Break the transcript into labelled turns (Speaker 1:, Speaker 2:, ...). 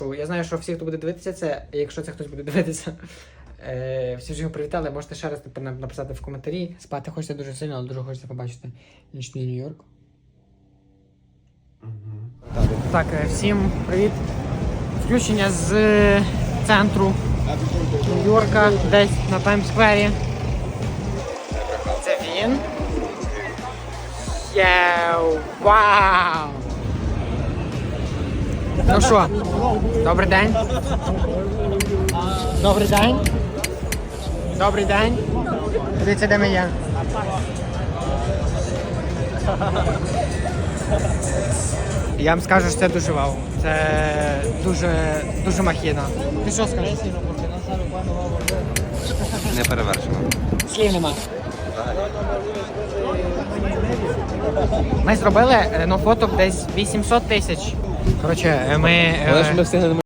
Speaker 1: Я знаю, що всі, хто буде дивитися це, якщо це хтось буде дивитися, всі ж його привітали, можете ще раз написати в коментарі. Спати хочеться дуже сильно, але дуже хочеться побачити нічний Нью-Йорк. Так, всім привіт. Включення з центру Нью-Йорка, десь на Таймс-сквері. Це він. Йоу, вау! Ну що, добрий день. Добрий день. Добрий день. Дивіться, де ми є. Я вам скажу, що це дуже вау. Це дуже махіна. Ти що скажеш?
Speaker 2: Не перевершено.
Speaker 1: Слів нема. Ми зробили фоток десь 800 тисяч. Коротше, ми...
Speaker 2: Ми встигли